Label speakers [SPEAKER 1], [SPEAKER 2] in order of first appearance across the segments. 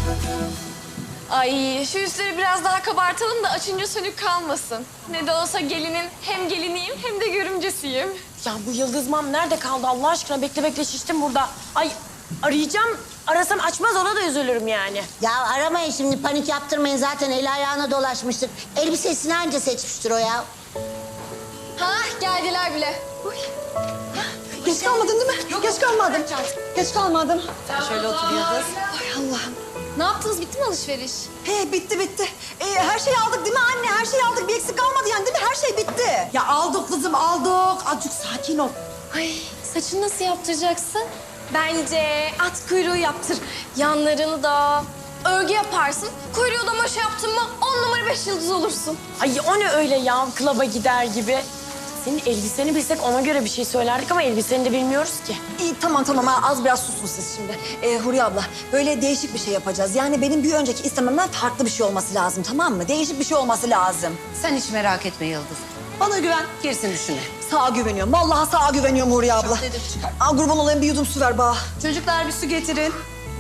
[SPEAKER 1] Ay şu üstleri biraz daha kabartalım da açınca sönük kalmasın. Ne de olsa gelinin hem geliniyim hem de görümcesiyim.
[SPEAKER 2] Ya bu Yıldız mam nerede kaldı Allah aşkına? Bekle bekle şiştim burada. Ay arayacağım. Arasam açmaz ona da üzülürüm yani.
[SPEAKER 3] Ya aramayın şimdi, panik yaptırmayın. Zaten eli ayağına dolaşmıştır. Elbisesini anca seçmiştir o ya.
[SPEAKER 1] Ha geldiler bile.
[SPEAKER 4] Geç kalmadın değil mi? Geç kalmadım. Geç kalmadım.
[SPEAKER 2] Şöyle otur Yıldız.
[SPEAKER 4] Ay Allah'ım.
[SPEAKER 1] Ne yaptınız bitti mi alışveriş?
[SPEAKER 4] He bitti. Her şeyi aldık değil mi anne? Her şeyi aldık. Bir eksik kalmadı yani değil mi? Her şey bitti.
[SPEAKER 5] Ya aldık kızım aldık. Azıcık sakin ol.
[SPEAKER 1] Ay saçını nasıl yaptıracaksın? Bence at kuyruğu yaptır. Yanlarını da örgü yaparsın. Kuyruğu da maşa yaptın mı 10 numara 5 yıldız olursun.
[SPEAKER 2] Ay o ne öyle ya klaba gider gibi. Senin elbiseni bilsek ona göre bir şey söylerdik ama elbiseni de bilmiyoruz ki.
[SPEAKER 4] İyi tamam ha, az biraz susun siz şimdi. Huriye abla böyle değişik bir şey yapacağız. Yani benim bir önceki istememden farklı bir şey olması lazım, tamam mı? Değişik bir şey olması lazım.
[SPEAKER 5] Sen hiç merak etme Yıldız.
[SPEAKER 4] Bana güven.
[SPEAKER 5] Girsin düşüne.
[SPEAKER 4] Sağa güveniyorum. Vallahi sağa güveniyorum Huriye abla. Aa, kurban olayım bir yudum su ver bana.
[SPEAKER 5] Çocuklar bir su getirin.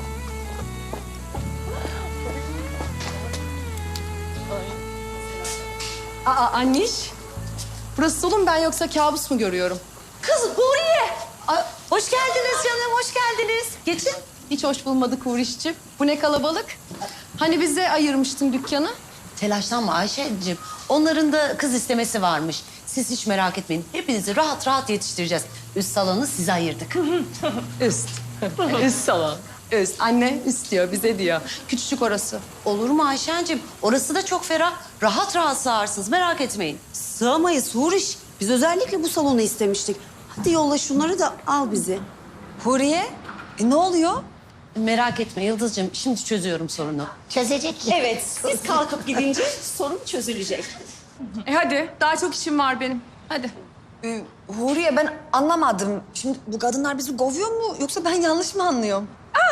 [SPEAKER 6] Aa anneş. Burası dolu mu ben yoksa kabus mu görüyorum?
[SPEAKER 5] Kız Huriye. Ay, hoş geldiniz canım, hoş geldiniz. Geçin.
[SPEAKER 6] Hiç hoş bulmadık Huriş'ciğim. Bu ne kalabalık. Hani bize ayırmıştın dükkanı?
[SPEAKER 5] Telaşlanma Ayşe'cim. Onların da kız istemesi varmış. Siz hiç merak etmeyin. Hepinizi rahat rahat yetiştireceğiz. Üst salonu size ayırdık.
[SPEAKER 6] Üst. Üst salon. Üst. Anne üst diyor bize diyor. Küçücük orası.
[SPEAKER 5] Olur mu Ayşe'cim? Orası da çok ferah. Rahat rahat sığarsınız, merak etmeyin.
[SPEAKER 7] Sığamayız Huriş. Biz özellikle bu salonu istemiştik. Hadi yolla şunları da al bizi.
[SPEAKER 4] Huriye, ne oluyor?
[SPEAKER 5] Merak etme Yıldız'cığım, şimdi çözüyorum sorunu.
[SPEAKER 3] Çözecek ki.
[SPEAKER 7] Evet, siz kalkıp gidince sorun çözülecek.
[SPEAKER 6] Hadi daha çok işim var benim. Hadi.
[SPEAKER 4] Huriye ben anlamadım. Şimdi bu kadınlar bizi kovuyor mu yoksa ben yanlış mı anlıyorum?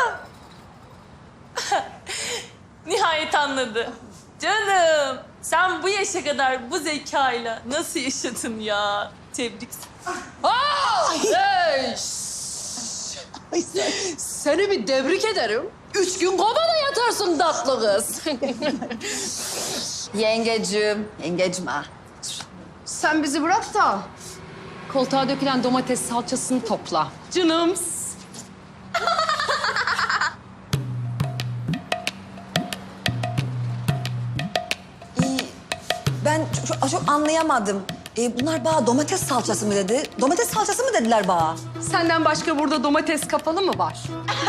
[SPEAKER 8] Nihayet anladı. Canım sen bu yaşa kadar bu zekayla nasıl yaşadın ya? Tebrik.
[SPEAKER 6] Seni bir tebrik ederim. 3 gün kovada yatarsın tatlı kız.
[SPEAKER 4] Yengecim ha.
[SPEAKER 6] Sen bizi bırak da koltuğa dökülen domates salçasını topla. Canım.
[SPEAKER 4] Ben çok anlayamadım. Bunlar bana domates salçası mı dedi? Domates salçası mı dediler bana?
[SPEAKER 6] Senden başka burada domates kapalı mı var?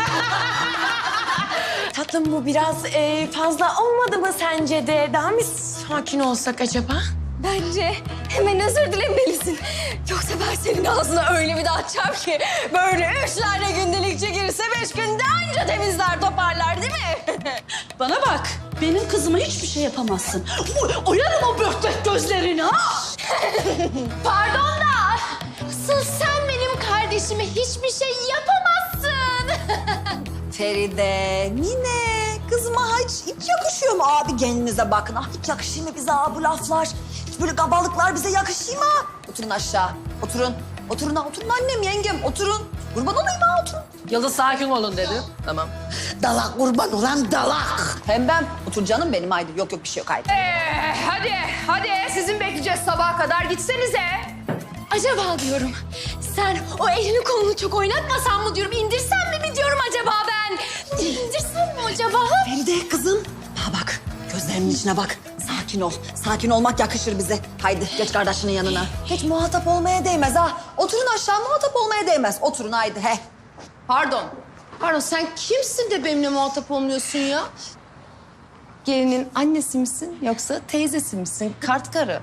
[SPEAKER 2] Tatlım bu biraz fazla olmadı mı sence de? Daha mı sakin olsak acaba?
[SPEAKER 1] Bence hemen özür dilemelisin. Yoksa ben senin ağzına öyle bir de açacağım ki... ...böyle 3 tane gündelik çekilirse 5 günde anca temizler toparlar değil mi?
[SPEAKER 7] Bana bak, benim kızıma hiçbir şey yapamazsın. Oyarım o börtlek gözlerini ha!
[SPEAKER 1] Pardon da asıl sen benim kardeşime hiçbir şey yapamazsın.
[SPEAKER 4] Feride, Mine, kızıma hiç yakışıyor mu abi gelinize bakın. Ah hiç yakışıyor mu bize bu laflar? Hiç böyle kabalıklar bize yakışıyor mu? Oturun aşağı, oturun. Oturun annem, yengem, oturun. Kurban olayım ha, oturun.
[SPEAKER 6] Yıldız sakin olun dedi. Tamam.
[SPEAKER 3] Dalak kurban olan dalak.
[SPEAKER 4] Hem ben, otur canım benim haydi. Yok bir şey yok haydi.
[SPEAKER 6] Hadi sizin bekleyeceğiz sabaha kadar gitsenize.
[SPEAKER 1] Acaba diyorum sen o elini kolunu çok oynatmasan mı diyorum, indirsen mi diyorum acaba ben? İndirsem mi acaba?
[SPEAKER 4] Feride kızım, bak gözlerimin içine bak. Sakin ol. Sakin olmak yakışır bize. Haydi geç kardeşinin yanına. Geç muhatap olmaya değmez ha. Oturun aşağı muhatap olmaya değmez. Oturun haydi he.
[SPEAKER 6] Pardon sen kimsin de benimle muhatap olmuyorsun ya? Gelinin annesi misin yoksa teyzesi misin? Kart karı.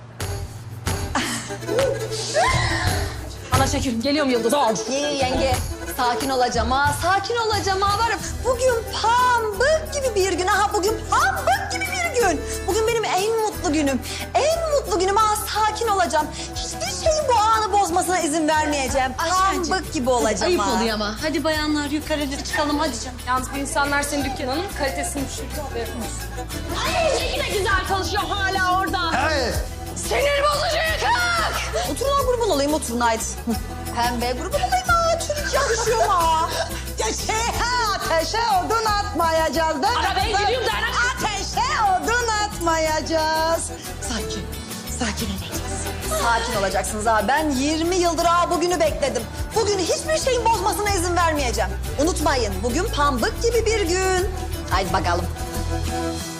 [SPEAKER 6] Ana şekerim geliyorum Yıldız.
[SPEAKER 4] İyi yenge. Sakin olacağım ha. Sakin olacağım ha. Varım. Bugün pambık gibi bir gün. Aha bugün pambık gibi bir gün. Bugün benim en mutlu günüm. En mutlu günüm ha. Sakin olacağım. Hiçbir şeyin bu anı bozmasına izin vermeyeceğim. Pambık gibi olacağım
[SPEAKER 5] Ayıp
[SPEAKER 4] ha.
[SPEAKER 5] oluyor ama. Hadi bayanlar yukarıda çıkalım hadi canım.
[SPEAKER 6] Yalnız bu insanlar senin dükkanının kalitesini düşürdü. Haberin olsun.
[SPEAKER 1] Ay ne güzel çalışıyor hala orada. Sinir bozucu yıkık.
[SPEAKER 4] Oturun ha kurban olayım oturun haydi. Pembe kurban olayım ha. Çocuk yakışıyor ha. Ateşe odun atma.
[SPEAKER 9] atmayacağız değil mi?
[SPEAKER 7] Arabaya
[SPEAKER 9] kızım?
[SPEAKER 7] gidiyorum da ana-
[SPEAKER 9] Ateşe odun atmayacağız. Sakin olacağız.
[SPEAKER 4] Sakin olacaksınız abi. Ben 20 yıldır bugünü bekledim. Bugün hiçbir şeyin bozmasına izin vermeyeceğim. Unutmayın bugün pambık gibi bir gün. Haydi bakalım.